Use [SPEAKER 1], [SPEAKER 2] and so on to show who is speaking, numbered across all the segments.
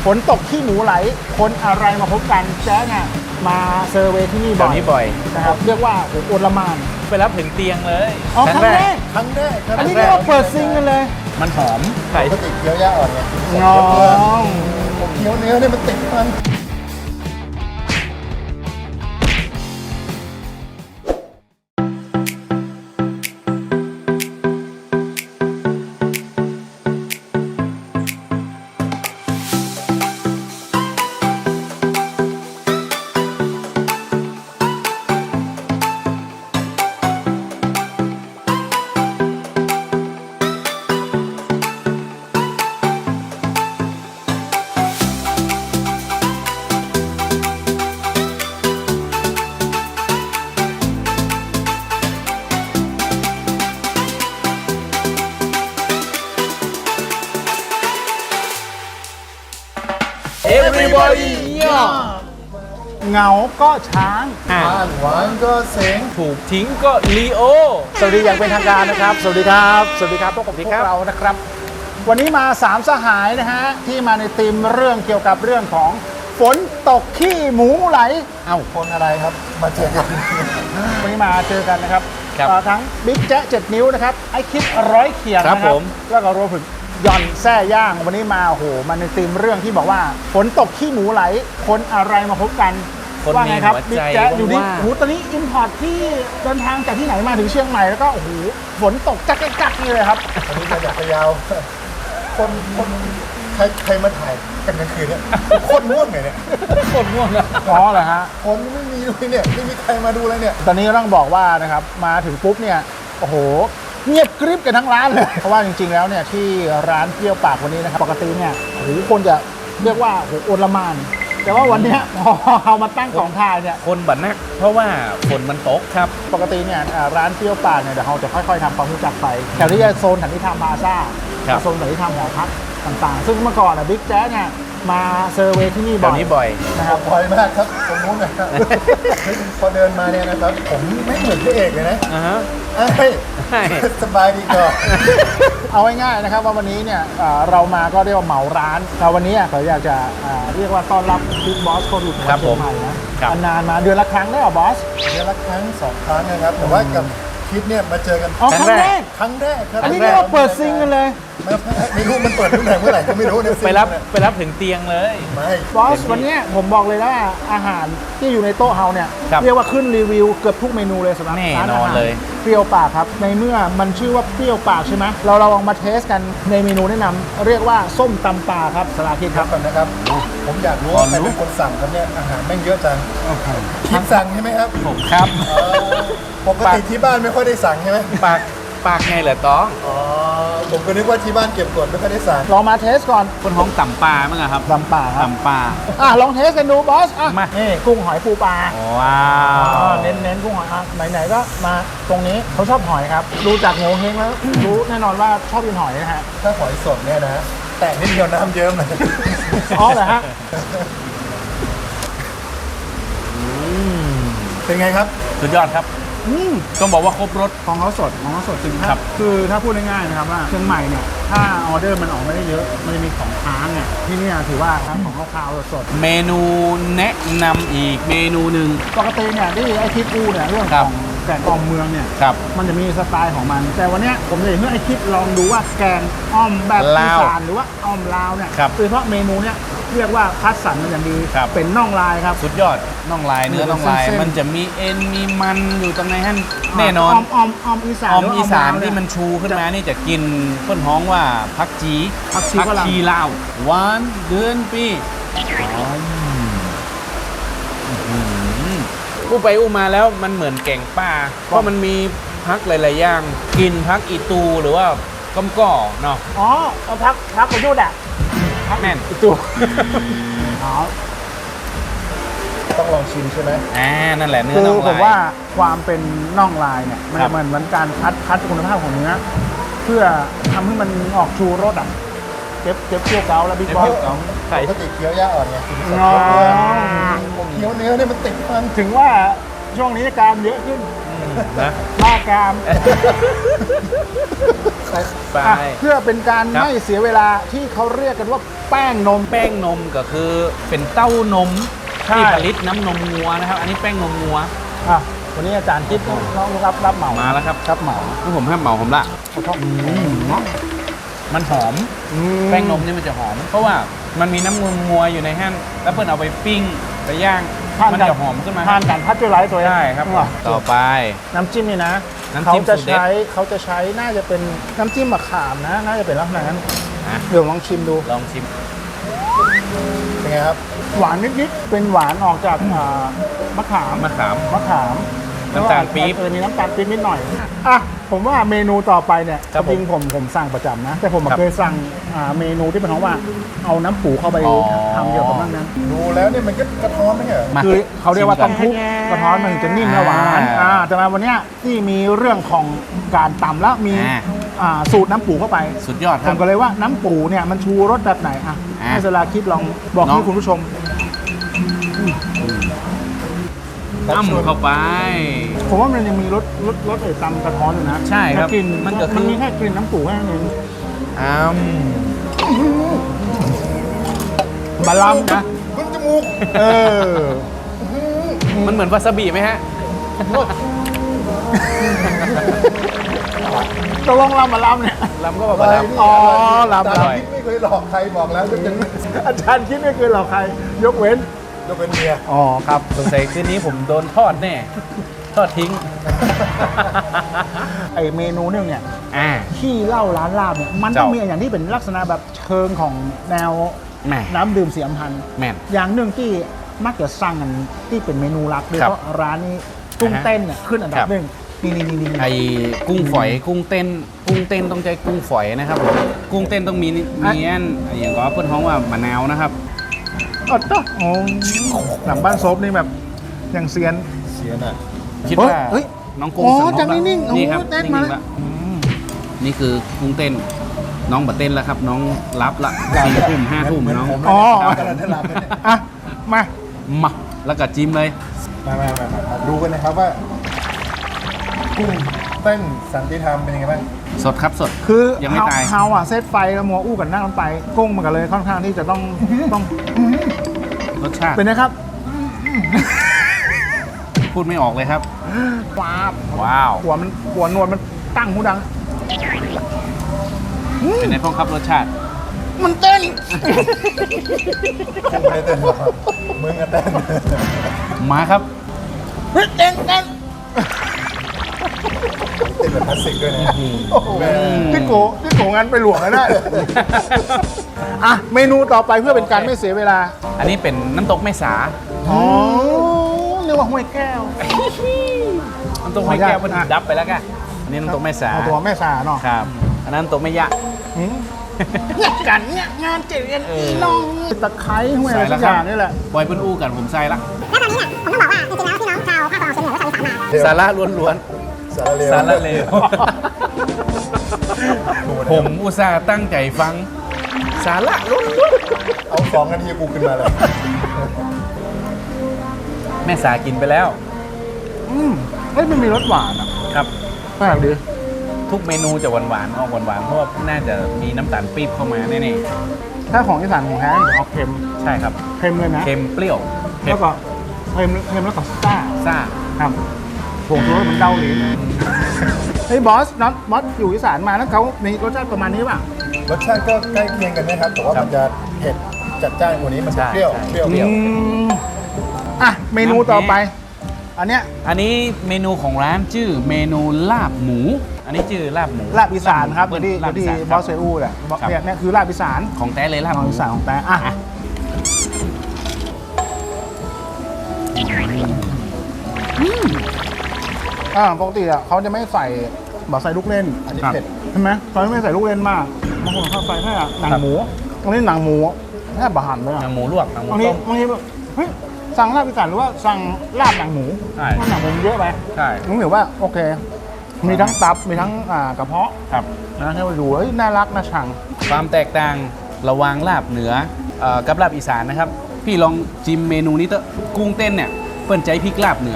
[SPEAKER 1] ฝนตกขี้หมูไหลคนอะไรมาพบกันแจ๊เนี่ยมาเซอร์เวย์ที่นี่บ่อยนะครับเรียกว่าโอลหม่าน
[SPEAKER 2] ไปรับถึงเตียงเลย
[SPEAKER 1] อ๋อครั้งแรกอันนี้เรียกว่าเปิดซิงกันเลย
[SPEAKER 2] มันหอมไก่
[SPEAKER 3] ปกติเคี้ยวหญ้าอ่อนไง
[SPEAKER 1] น้อง
[SPEAKER 3] ผมเคี้ยวเนื้อเนี่ยมันติดมัน
[SPEAKER 2] everybody
[SPEAKER 1] เหงาก็ช้าง
[SPEAKER 3] บ้านหวานก็เสียง
[SPEAKER 2] ถูกทิ้งก็ลีโอ
[SPEAKER 1] สวัสดีอย่างเป็นทางการนะครับ สวัสดีครับสวัสดีครับพบกับพวกเรานะครับ วันนี้มา3สหายนะฮะที่มาในธีมเรื่องเกี่ยวกับเรื่องของฝนตกขี้หมูไหล
[SPEAKER 3] เอ้าคนอะไรครับมาเจอกัน
[SPEAKER 1] วันนี้มาเจอกันนะครับ
[SPEAKER 2] ครับ
[SPEAKER 1] ทั้งบิ๊กแจ๊ะ7 นิ้วนะครับไอคิดร้อยเขียง
[SPEAKER 2] ครับ
[SPEAKER 1] นะครับ
[SPEAKER 2] ผม
[SPEAKER 1] แล้วก็รวมถึงหย่อนแซ่ย่างวันนี้มาโอ้โหมาในธีมเรื่องที่บอกว่าฝนตกขี้หมูไหลคนอะไรมาพบกัน
[SPEAKER 2] คน
[SPEAKER 1] ว่า
[SPEAKER 2] มี
[SPEAKER 1] ไงครับ
[SPEAKER 2] หัว
[SPEAKER 1] บิ๊
[SPEAKER 2] ใจ
[SPEAKER 1] กแจ๊ะอยู่นี่
[SPEAKER 2] ว่า
[SPEAKER 1] โอ้โหตอนนี้อินพอร์ตที่เดินทางจากที่ไหนมาถึงเชียงใหม่แล้วก็โอ้โหฝนตกจักนี่เลยครับ
[SPEAKER 3] อันนี้มาจากพะเยาคนใครมาถ่ายกันกลางคืนเนี่ยคนง่วงเนี่ย
[SPEAKER 2] คนง่วงอะ
[SPEAKER 1] อ๋อเหรอฮะ
[SPEAKER 3] คนไม่มีเลยเนี่ยไม่มีใครมาดูเลยเนี่ย
[SPEAKER 1] ตอนนี้ก็ต้องบอกว่านะครับมาถึงปุ๊บเนี่ยโอ้โหเงียบกริบกันทั้งร้านเลย เพราะว่าจริงๆแล้วเนี่ยที่ร้านเปรี้ยวปากวันนี้นะครับปกติเนี่ยโอ้โหคนจะเรียกว่าโอ้โหโอลหม่านแต่ว่าวันเนี้ยพอเอามาตั้งของทายเนี่ย
[SPEAKER 2] คนบัดนักเพราะว่าฝนมันตกครับ
[SPEAKER 1] ปกติเนี่ยร้านเปรี้ยวปากเนี่ยเดี๋ยวเราจะค่อยๆทำความรู้จักไปแถวที่จะโซนสันติธรรมพลาซ่า
[SPEAKER 2] ครับ
[SPEAKER 1] โซนสันติธรรมหอพักต่างๆ ซึ่งเมื่อก่อนบิ๊กแจ๊สเนี่ยมาเซอร์เวย์ที่นี่
[SPEAKER 2] แถ
[SPEAKER 1] บ่อ
[SPEAKER 2] วย นี้บ่อย
[SPEAKER 1] นะครับ
[SPEAKER 3] บ่อยมากครับตรงนู้นนะครับพอเดินมาเนี่ยนะครับผมไม่เหมือนพระเอกเลยนะ
[SPEAKER 2] อ่าฮะ
[SPEAKER 3] เอ้ย
[SPEAKER 2] ใช่
[SPEAKER 3] สบายดีก่อน
[SPEAKER 1] เอาง่ายๆนะครับว่าวันนี้เนี่ยเรามาก็เรียกว่าเหมาร้านแต่วันนี้เขาอยากจะเรียกว่าต้อนรับบิ๊กบอสโควิด
[SPEAKER 2] ครับ
[SPEAKER 1] เชียงใหม่นะครับ นานๆมาเดือนละครั้งได้เหรอบอส
[SPEAKER 3] เดือนละครั้ง2 ครั้งนะครับแต่ว่ากับคิดเนี่ยมาเจอกัน
[SPEAKER 1] อ๋อครั้งแรก
[SPEAKER 3] ครั้งแรกครับ
[SPEAKER 1] อันนี้เรียกว่าเปิดซิงกันเลย
[SPEAKER 3] ไม่รู้มันเปิดที่ไหนเมื่อไหร่ก็ไม่รู้เนี่ย
[SPEAKER 2] ไปรับถึงเตียงเลย
[SPEAKER 3] ไม่
[SPEAKER 1] บอสวันนี้ผมบอกเลยว่าอาหารที่อยู่ในโต๊ะเฮาเนี่ย
[SPEAKER 2] ครับ
[SPEAKER 1] เรียกว่าขึ้นรีวิวเกือบทุกเมนูเลยสำหรับ
[SPEAKER 2] แน่
[SPEAKER 1] ร้าน
[SPEAKER 2] น
[SPEAKER 1] อา
[SPEAKER 2] อน
[SPEAKER 1] หาร
[SPEAKER 2] เลย
[SPEAKER 1] เปรี้ยวปากครับในเมื่อมันชื่อว่าเปรี้ยวปากใช่ไหมเราลองมาเทสกันในเมนูแนะนำเรียกว่าส้มตำปลาครับสลาคิด
[SPEAKER 3] ค
[SPEAKER 1] ค
[SPEAKER 3] รั
[SPEAKER 1] รั
[SPEAKER 3] บบ ก่อนนะครับ ผมอยากรู้ว่าใครเป็นคนสั่งครับเนี่ยอาหารแม่งเยอะจังคิดสั่งใช่ไหมครับ
[SPEAKER 2] ผมครับ
[SPEAKER 3] ปกติที่บ้านไม่ค่อยได้สั่งใช่ไหม
[SPEAKER 2] ปากไงเหรอต้อง
[SPEAKER 3] อ๋อผมก็นึกว่าที่บ้านเก็บกดไม่ค่อยได้สั่ง
[SPEAKER 1] ลองมาเทสก่อน
[SPEAKER 2] คนท้องต่ำปลามั้งอะครับ
[SPEAKER 1] ตำปลาครับ
[SPEAKER 2] ต่ำปลา
[SPEAKER 1] ลองเทสกันดูบอสอ่ะ
[SPEAKER 2] มา
[SPEAKER 1] นี่กุ้งหอยปูปลา
[SPEAKER 2] ว้าว
[SPEAKER 1] เน้นกุ้งหอยไหนๆก็มาตรงนี้เขาชอบหอยครับดูจากโงเฮงแล้ว รู้แน่นอนว่าชอบกินหอยนะฮะ
[SPEAKER 3] ถ้าหอยสดเนี่ยนะแต่นิดเดียวน้ำเยิ้มเลย
[SPEAKER 1] อ๋อเหรอฮะ
[SPEAKER 3] เป็นไงครับ
[SPEAKER 2] สุดยอดครับ ต้องบอกว่าครบรส
[SPEAKER 1] ของเขาสดจริง
[SPEAKER 2] ครับ
[SPEAKER 1] คือถ้าพูดง่ายๆนะครับว่าเชียงใหม่เนี่ยถ้าออเดอร์มันออกไม่ได้เยอะมันจะมีของค้างเนี่ยที่เนี่ยถือว่าทั้งของข้าวๆสด
[SPEAKER 2] เมนูแนะนำอีกเมนูหนึ่ง
[SPEAKER 1] ปกติเนี่ยที่ไอคิดอูเนี่ยเรื่อง
[SPEAKER 2] ครั
[SPEAKER 1] ข
[SPEAKER 2] บ
[SPEAKER 1] องแกงอ่อมเมืองเนี่ย
[SPEAKER 2] ครับ
[SPEAKER 1] มันจะมีสไตล์ของมัน แต่วันเนี้ยผมจะอยากให้ไอคิดลองดูว่าแกงอ่อมแบบอี
[SPEAKER 2] ลาว
[SPEAKER 1] สานหรือว่าอ่อมลาวเนี่ย
[SPEAKER 2] ครับ
[SPEAKER 1] โดยเฉพาะเมนูเนี่ยเรียกว่าคัดสรรมันอย่างดี
[SPEAKER 2] ครับ
[SPEAKER 1] เป็นน่องลายครับ
[SPEAKER 2] สุดยอดน่องลายเนื้อน่องลาย
[SPEAKER 1] เส้นๆ
[SPEAKER 2] มันจะมีเอ็นมีมันอยู่ตรงในหั่นแน่นอน
[SPEAKER 1] อ่อมอีสาน
[SPEAKER 2] ออม
[SPEAKER 1] หรื
[SPEAKER 2] อีสาน
[SPEAKER 1] ลว
[SPEAKER 2] ที่
[SPEAKER 1] เย
[SPEAKER 2] มันชูขึ้นมานี่จะกินเพื่อนฮ้องว่าพักจี
[SPEAKER 1] ผักชีฝรั่ง
[SPEAKER 2] ลาวหวานเดือนปีอู้ไปอู้มาแล้วมันเหมือนแกงป่าเพราะมันมีพักหลายๆอย่างกินพักอีตูหรือว่าก้มก่อเนาะ
[SPEAKER 1] อ๋อเอาพักประยุทธ์อ่ะ
[SPEAKER 2] แม่น
[SPEAKER 1] อีกตัวอ๋อ
[SPEAKER 3] ต้องลองชิมใช่ไหม
[SPEAKER 2] นั่นแหละเนื้อ
[SPEAKER 1] คือ
[SPEAKER 2] น่อง
[SPEAKER 1] ผ
[SPEAKER 2] ลาม ย
[SPEAKER 1] ว่าความเป็นน่องลายเนี่ยมัน
[SPEAKER 2] ครับ
[SPEAKER 1] เหมือนการคัดคุณภาพของเนื้อเพื่อทำให้มันออกชูรสอ่ะเก็บเคี่ยวเกาแล้วบิ๊กบอส
[SPEAKER 2] ไข่
[SPEAKER 3] ปกติเคี้ยวหญ้าอ่อนไง
[SPEAKER 1] อ๋อ
[SPEAKER 3] ผมเคี้ยวเนื้อเนี่ยมันติดมัน
[SPEAKER 1] ถึงว่าช่วงนี้กรามเยอะขึ้น
[SPEAKER 2] นะ
[SPEAKER 1] บ้ากราม
[SPEAKER 2] ไป
[SPEAKER 1] อ่ะเพื่อเป็นการ
[SPEAKER 2] ครับ
[SPEAKER 1] ไม่เสียเวลาที่เขาเรียกกันว่าแป้งนม
[SPEAKER 2] แป้งนมก็คือเป็นเต้านม
[SPEAKER 1] ใช่
[SPEAKER 2] ที่ผลิตน้ำนมงัวนะครับ อันนี้แป้งนมงัว
[SPEAKER 1] อ่ะวันนี้อาจารย์คิดน้องรับเหมา
[SPEAKER 2] มาแล้วครับ
[SPEAKER 1] ครับเหมา
[SPEAKER 2] นี่ผมให้เหมาผมละ มันหอม แป้งนมนี่มันจะหอม เพราะว่ามันมีน้ำนมงัวอยู่ในแห้งแล้วเพิ่นเอาไปปิ้งไปย่าง มันจะหอมขึ้นมา
[SPEAKER 1] ทานกันพัชเจอร์ไลท์ตัวเอง
[SPEAKER 2] ใช่ครับ
[SPEAKER 1] ว่ะ
[SPEAKER 2] ต่อไป
[SPEAKER 1] น้ำจิ้มนี่นะ
[SPEAKER 2] น้ำจิ้ม
[SPEAKER 1] เขาจะ
[SPEAKER 2] สูตรเด็ด
[SPEAKER 1] ใช้น่าจะเป็นน้ำจิ้มมะขามนะ น่าจะเป็นลักษณะนั้น
[SPEAKER 2] อ่ะ
[SPEAKER 1] เดี๋ยวลองชิมดู
[SPEAKER 2] ลองชิม
[SPEAKER 3] เป็นไงครับ
[SPEAKER 1] หวานนิดๆเป็นหวานออกจากมะขาม
[SPEAKER 2] มะขาม
[SPEAKER 1] มะขาม
[SPEAKER 2] น้ำตาลปี๊บ
[SPEAKER 1] มีน้ำตาลปี๊บนิดหน่อยอ่ะผมว่าเมนูต่อไปเนี่ย
[SPEAKER 2] ครับ
[SPEAKER 1] จริงๆผมสั่งประจำนะ แต่ผม
[SPEAKER 2] ครับ
[SPEAKER 1] เคยสั่งเมนูที่เป็นของว่าเอาน้ำปูเข้าไป
[SPEAKER 2] อ๋อ
[SPEAKER 1] ทำเกี่ยวกับนั่นนั้น
[SPEAKER 3] ดูแล้วเนี่ยมันก็กระท้อนไม่ใช่เหรอ
[SPEAKER 2] มา
[SPEAKER 1] คือเขาเรียกว่า
[SPEAKER 2] ชิ
[SPEAKER 1] ต้
[SPEAKER 2] ม
[SPEAKER 1] ม
[SPEAKER 2] ก่อน
[SPEAKER 1] คลุกกระท้อนมันถึงจะนิ่มและหวาน แต่มาวันเนี้ยที่มีเรื่องของการตำแล้วมีสูตรน้ำปูเข้าไป
[SPEAKER 2] สุดยอดค
[SPEAKER 1] ผ
[SPEAKER 2] รับ
[SPEAKER 1] มก็เลยว่าน้ำปูเนี่ยมันชูรสแบบไหนอ่ะ
[SPEAKER 2] อ่ะ
[SPEAKER 1] ให้สลาคิดลองบอก
[SPEAKER 2] น้อง
[SPEAKER 1] ให้คุณผู้ชม
[SPEAKER 2] อ้ำเข้าไป
[SPEAKER 1] ผมว่ามันยังมีรสตำกระท้อนอยู่นะ
[SPEAKER 2] ใช่ครับ
[SPEAKER 1] แต่กลิ่น
[SPEAKER 2] มันก็คือ
[SPEAKER 1] มันมีแค่กลิ่นน้ำปูแค่นั้นเอง
[SPEAKER 2] อ้ำ
[SPEAKER 1] บาลัมนะ
[SPEAKER 3] มึงจมูก
[SPEAKER 1] เออ
[SPEAKER 2] มันเหมือนวาซาบิไหมฮะ
[SPEAKER 1] ตกลงลำบาลัมเนี่ย
[SPEAKER 2] ลำก็แบบว่าลำ
[SPEAKER 1] อ๋อลำ
[SPEAKER 3] อาจารย์คิดไม่เคยหลอกใครบอกแล้วจะเป็น
[SPEAKER 1] อาจารย์คิดไม่เคยหลอกใคร ยกเว้น
[SPEAKER 3] จะเป็นเมีย
[SPEAKER 1] อ๋อครับ
[SPEAKER 2] สงสัยคืนนี้ผมโดนทอดแน่ ทอดทิ้ง
[SPEAKER 1] ไอเมนูนึงเนี่ย
[SPEAKER 2] อ่า
[SPEAKER 1] ที่เหล้าร้านลาบเนี่ยมันต้องมีอย่างที่เป็นลักษณะแบบเชิงของแนว
[SPEAKER 2] แหม่
[SPEAKER 1] น้ำดื่มเสียมพันธ์
[SPEAKER 2] แม่น
[SPEAKER 1] อย่างหนึ่งที่มักจะสั่งกันที่เป็นเมนูลับโดยเฉพาะร้านนี้กุ้งเต้นเนี่ยขึ้นอันดั
[SPEAKER 2] ครับ บ
[SPEAKER 1] หนึ่งนี่
[SPEAKER 2] ไอ้กุ้งฝอย กุ้งเต้น กุ้งเต้นต้องใช้กุ้งฝอยนะครับผม กุ้งเต้นต้องมีอันอย่างก็เพื่อนท้องว่ามะนาวนะครับ
[SPEAKER 1] อ๋อต้อโอ้หลังบ้านซบนี่แบบอย่างเซียน
[SPEAKER 3] เสียน่ะ
[SPEAKER 2] คิดว่า
[SPEAKER 1] เฮ้ย
[SPEAKER 2] น้องกุ้ง
[SPEAKER 1] อ๋อ
[SPEAKER 2] สำร
[SPEAKER 1] จากนิ่งๆ
[SPEAKER 2] นี่ครับ
[SPEAKER 1] โอ้เต้น
[SPEAKER 2] นิ่
[SPEAKER 1] มา
[SPEAKER 2] งๆละนี่คือกุ้งเต้น น้องบัดเต้นแล้วครับ น้องรับละ4 ทุ่ม 5 ทุ่มน้อง
[SPEAKER 3] ผม
[SPEAKER 1] อ๋อ
[SPEAKER 3] กำลังจะหลับเลยเนี่ย
[SPEAKER 1] อ่ะมา
[SPEAKER 2] มาแล้วก็จิ้มเลย
[SPEAKER 3] มาดูกันนะครับว่ากุ้งเต้นสันติธรรมเป็นยังไงบ้าง
[SPEAKER 2] สดครับสด
[SPEAKER 1] คือ
[SPEAKER 2] ยังไม่ตาย
[SPEAKER 1] เฮาอ่ะเซตไฟแล้วมัวอู้กันนั่งกันไปกุ้งมันก็เลยค่อนข้างที่จะต้อง
[SPEAKER 2] รสชาติ
[SPEAKER 1] เป็นนะครับ
[SPEAKER 2] พูดไม่ออกเลยครับ
[SPEAKER 1] ว้าบ
[SPEAKER 2] ว้าว
[SPEAKER 1] หัวนวลมันตั้งหูดัง
[SPEAKER 2] เป็นไงพ้องครับรสชาติ
[SPEAKER 1] มันเต้น
[SPEAKER 3] กุ้งไม่ได้เต้นหรอกมึงอะเต้น
[SPEAKER 2] มาครับ
[SPEAKER 1] เฮ้ยเต้น
[SPEAKER 3] เต้นแบบคลาสสิกด้วยนะ
[SPEAKER 1] โอ้โหที่โกงานไปหลวงแล้วนะอ่ะเมนูต่อไปเพื่อเป็นการไม่เสียเวลา
[SPEAKER 2] อันนี้เป็นน้ำตกแม่สา
[SPEAKER 1] อ๋อเรียกว่าห้วยแก้ว
[SPEAKER 2] น้ำตกแม่แก้วมันดับไปแล้วกันอันนี้น้ำตกแม่สา
[SPEAKER 1] เอาตัวแม่สาเนาะ
[SPEAKER 2] ครับ อันนั้นน้ำตกแม่ยะ
[SPEAKER 1] หืมเนี่ยกันเนี่ยงานเจ๋งกันอีน้องตะไคร้ห้วยอะไร
[SPEAKER 2] ใส่แล้
[SPEAKER 1] สั
[SPEAKER 2] ว
[SPEAKER 1] ก
[SPEAKER 2] ค
[SPEAKER 1] อ
[SPEAKER 2] รับ
[SPEAKER 1] ย่างนี่แหละ
[SPEAKER 2] บอยเปิ้ลอู้กันผมใส่ละ
[SPEAKER 4] แล้วตอนนี้เนี่ยผมต้องบอกว่าจริงๆแล้วพี่น้องชาวภาคตะวันออกเฉียงเหนือและชาวอีสานมา
[SPEAKER 2] สาระล้วน
[SPEAKER 3] สารเลว
[SPEAKER 2] ๆ สาระเลว ผมอุตส่าห์ตั้งใจฟัง สาระล้วน
[SPEAKER 3] เอา2 นาทีกูขึ้นมาเลย
[SPEAKER 2] ๆแม่สากินไปแล้ว
[SPEAKER 1] เฮ้ยมันมีรสหวานอ่ะ
[SPEAKER 2] ครับ
[SPEAKER 1] แปลกดี
[SPEAKER 2] ทุกเมนูจะหวานๆออกหวานๆเพราะว่าน่าจะมีน้ำตาลปี๊บเข้ามาแน่
[SPEAKER 1] ถ้าของอีสานของแท้จะออกเค็ม
[SPEAKER 2] ๆ ใช่ครับ
[SPEAKER 1] เค็มเลยนะ
[SPEAKER 2] เค็มเปรี้ยวเผ็
[SPEAKER 1] แล้
[SPEAKER 2] ด
[SPEAKER 1] วก็เค็มแล้วก็ซ่า
[SPEAKER 2] ซ่า
[SPEAKER 1] ครับผงชูรสมันเดาลิ้นเฮ้ยบอสอยู่อีสานมาแล้วเขามีรสชาติประมาณนี้ป่ะ
[SPEAKER 3] รสชาติก็ใกล้เคียงกันนะครับ แต่ว่ามันจะเผ็ดจัดจ้านกว่านี้ มันจะเปรี้ยว
[SPEAKER 2] ใช่
[SPEAKER 3] เปรี้ยว
[SPEAKER 1] อืมอ่ะเมนูต่อไป อันเนี้ย
[SPEAKER 2] อันนี้เมนูของร้านชื่อเมนูลาบหมู อันนี้ชื่อลาบหมู
[SPEAKER 1] ลาบอีสานครับ
[SPEAKER 2] เปิ้ล
[SPEAKER 1] ที่
[SPEAKER 2] ลาบอี
[SPEAKER 1] ที่
[SPEAKER 2] สาน
[SPEAKER 1] บ
[SPEAKER 2] ค
[SPEAKER 1] อ
[SPEAKER 2] รับ
[SPEAKER 1] สเซอูแหละ
[SPEAKER 2] ครับ
[SPEAKER 1] เนี่ยคือลาบอีสาน
[SPEAKER 2] ของแท้เลยลาบ
[SPEAKER 1] ข
[SPEAKER 2] ห
[SPEAKER 1] อง
[SPEAKER 2] มู
[SPEAKER 1] อีสานของแต่อ่ะปกติอ่ะเขาจะไม่ใส่แบบใส่ลูกเล่น
[SPEAKER 3] อันนี้เผ็ด
[SPEAKER 1] ใช่ไหมเขาไม่ใส่ลูกเล่นมากบางคนเขาใส่แค่หนังหมูตรงนี้หนังหมูแค่บะหั่นเลย
[SPEAKER 2] ห
[SPEAKER 1] อ่ะ
[SPEAKER 2] นังหมูลวกหนังหมู
[SPEAKER 1] บางที
[SPEAKER 2] ต้ม
[SPEAKER 1] บางทีแบบเฮ้ยสั่งลาบอีสานหรือว่าสั่งลาบหนังหมู
[SPEAKER 2] ใช่
[SPEAKER 1] เพราะหนังหมูมันเยอะไป
[SPEAKER 2] ใช่
[SPEAKER 1] ผมถือว่าโอเค มีทั้งตับมีทั้งกระเพาะ
[SPEAKER 2] ครับ
[SPEAKER 1] นะให้มาดูเฮ้ยน่ารักน่าชัง
[SPEAKER 2] ความแตกต่างระหว่างลาบเหนือกับลาบอีสานนะครับ พี่ลองจิ้มเมนูนี้เถอะกุ้งเต้นเนี่ยเปิ้นใจพริกลาบเหนือ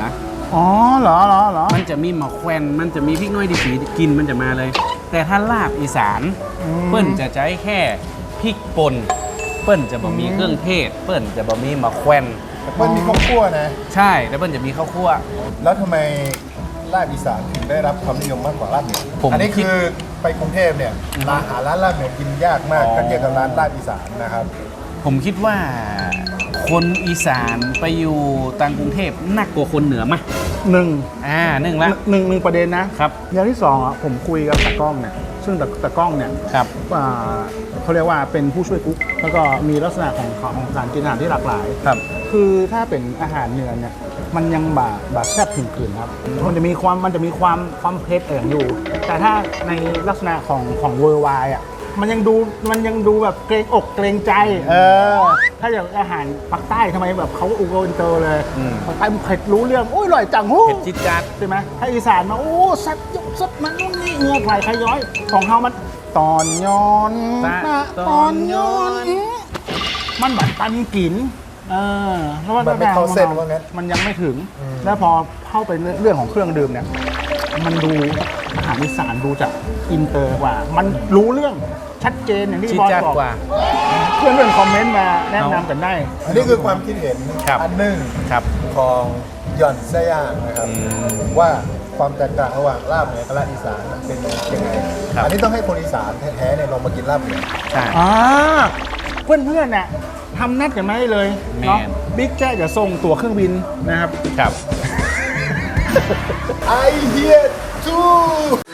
[SPEAKER 1] อ๋อเหรอ
[SPEAKER 2] มันจะมีมะแขวนมันจะมีพริกน้อยดีสีกินมันจะมาเลย แต่ถ้าลาบอีสาน เปิ้ลจะใช้แค่พริกป่นเปิ้ลจะบ่มีเครื่องเทศ เปิ้ลจะบ่มีมะแขวน
[SPEAKER 3] มันมีข้าวคั่วนะ
[SPEAKER 2] ใช่แล้วเปิ้ลจะมีข้าวคั่ว
[SPEAKER 3] แล้วทำไมลาบอีสานถึงได้รับความนิยมมากกว่าลาบเหนือ
[SPEAKER 2] ผม
[SPEAKER 3] อันนี้
[SPEAKER 2] คิด
[SPEAKER 3] คือไปกรุงเทพเนี่ยหาร้านลาบเหนือกินยากมาก
[SPEAKER 2] อ๋อ
[SPEAKER 3] ก็เทียบกับร้านลาบอีสานนะครับ
[SPEAKER 2] ผมคิดว่าคนอีสานไปอยู่ต่างกรุงเทพหนักกว่าคนเหนือไหม
[SPEAKER 1] หนึ่ง
[SPEAKER 2] หนึ่งละ
[SPEAKER 1] หนึ่งประเด็นนะครับ อย่างที่สองอ่ะผมคุยกับตากล้องเนี่ยซึ่งตากล้องเนี่ย
[SPEAKER 2] ครับ
[SPEAKER 1] เขาเรียกว่าเป็นผู้ช่วยกุ๊กแล้วก็มีลักษณะของการกินอาหารที่หลากหลาย
[SPEAKER 2] ครับ
[SPEAKER 1] คือถ้าเป็นอาหารเหนือเนี่ยมันยังบาแซ่บถึงขืนครับมันจะมีความเผ็ดอยู่ แต่ถ้าในลักษณะของเวอร์ไวอ่ะมันยังดูแบบเกรงอกเกรงใจถ้าอย่างอาหารภาคใต้ทำไมแบบเขาอุโกอินเตอร์เลยภาคใต้มันเผ็ดรู้เรื่องโอ้ยอร่อยจังฮู้
[SPEAKER 2] เผ็ดจิ๊ดจัด
[SPEAKER 1] ใช่ไหมถ้าอีสานมาโอ้สัตว์ยุบสัตว์มันนู่นนี่เงือกไหลใครย้อยของเขามันตอนย้อนตอนย้อนมันแบบตันกินแล้วว่า
[SPEAKER 3] มันไม่เข้าเส้นว่างั้น
[SPEAKER 1] มันยังไม่ถึง แล้วพอเข้าไปเรื่องของเครื่องดื่มเนี่ย มันดูอาหารอีสานดูจากอินเตอร์กว่า มันรู้เรื่องชัดเจนอย่างที่
[SPEAKER 2] จิ๊ด
[SPEAKER 1] บอส
[SPEAKER 2] จัด
[SPEAKER 1] บอก
[SPEAKER 2] กว่า
[SPEAKER 1] เพื่อนๆคอมเมนต์มาแนะนำกันได้
[SPEAKER 3] อันนี้คือความคิดเห็น
[SPEAKER 2] ครับ
[SPEAKER 3] อันหนึ่ง
[SPEAKER 2] ครับ
[SPEAKER 3] ของหย่อนแซ่ย่างนะครับ ว่าความแตกต่างระหว่างลาบเหนือกับลาบอีสานเป็นยังไง
[SPEAKER 2] ครับ
[SPEAKER 3] อันนี้ต้องให้คนอีสานแท้ๆเนี่ยลองมากินลาบเหนือ
[SPEAKER 2] ใช่
[SPEAKER 1] เพื่อนๆน่ะทำนัดกันมาได้เลย
[SPEAKER 2] แมน
[SPEAKER 1] เนาะบิ๊กแจ๊จะส่งตั๋วเครื่องบินนะครับ
[SPEAKER 2] ครับ
[SPEAKER 3] I hear too